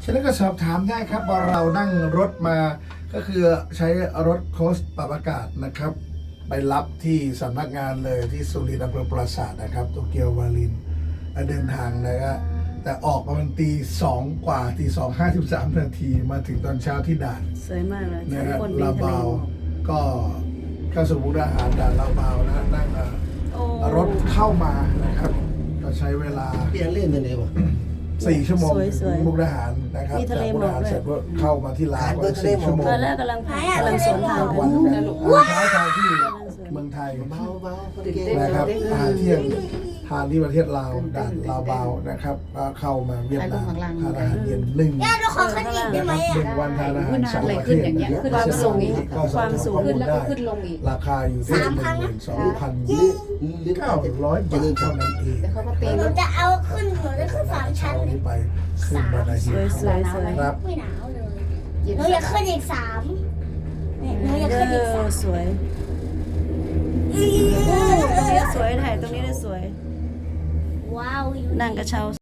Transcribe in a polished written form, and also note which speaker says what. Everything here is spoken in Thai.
Speaker 1: ฉะนั้นก็สอบถามได้ครับว่าเรานั่งรถมาก็คือใช้รถโค้ชปรับอากาศนะครับ ไปรับที่สำนักงานเลยที่สุรินทร์อำเภอปราสาทนะครับโตเกียววาลินเดินทางนะครับแต่ออกประมาณตี 2 กว่าตี 2:53 นาทีมาถึงตอนเช้าที่ด่าน
Speaker 2: สวยมากเลย
Speaker 1: นะฮะ
Speaker 2: คนริ
Speaker 1: ลาม
Speaker 2: ทะเล
Speaker 1: เบา
Speaker 2: หมอก
Speaker 1: ก็เข้าสู่มุกดาหารด่านลาเบานะนั่ง
Speaker 2: โอ้
Speaker 1: รถเข้ามานะครับก็ใช้เวลา
Speaker 3: เปลี่ยนเล่นไปเลยวะ
Speaker 1: 4 ชั่วโมง
Speaker 2: สวยๆ
Speaker 1: มุกดาหารนะครับ
Speaker 2: มีทะเล
Speaker 1: จากมุกดาหาร
Speaker 2: หมอกด้วย
Speaker 1: เสร็จก็เข้ามาที่ลาวก็ 4 ชั่วโมง
Speaker 2: ตอนแรกกำลังสวนทางกั
Speaker 1: วัน
Speaker 2: น
Speaker 1: นั้นเช้าทางที่เมืองไทย
Speaker 3: เบาเบาๆคนเก่ง
Speaker 1: นะครับอาหารเที่ยงทานที่ประเทศลาวด่านลาวเบานะครับก็เข้ามาเวียดนามทานอาหารเย็น1
Speaker 4: เราขอขึ้นอีกได้ไหม
Speaker 1: 1 วันทานอาหาร2 ประเทศ
Speaker 2: ความสูง
Speaker 1: ก็ส
Speaker 2: ความสูง
Speaker 1: ขึ้นแล้วก็
Speaker 5: ขึ้นลงอีก
Speaker 1: ราคาอยู่ที่ 12,900 บาทเท่านั้นเอง
Speaker 5: แต่เขาก็ตี
Speaker 4: หนู
Speaker 5: รถ
Speaker 4: จะเอาขึ้นหนูจะขึ้น3 ชั้นเลย
Speaker 1: นี้ไปขึ้นบันได
Speaker 2: ส
Speaker 1: หิ
Speaker 2: วย
Speaker 1: น
Speaker 2: สวยสวย
Speaker 1: ครับ
Speaker 4: ไม่หนาวเลยหนูอยากขึ้นอีก3เนี่ยหนูอยากขึ้นอีก3
Speaker 2: สวยตรงนี้สวยถ่ายตรงนี้ได้สวย
Speaker 4: ว้าวอยู่
Speaker 2: นั่งกระเช้า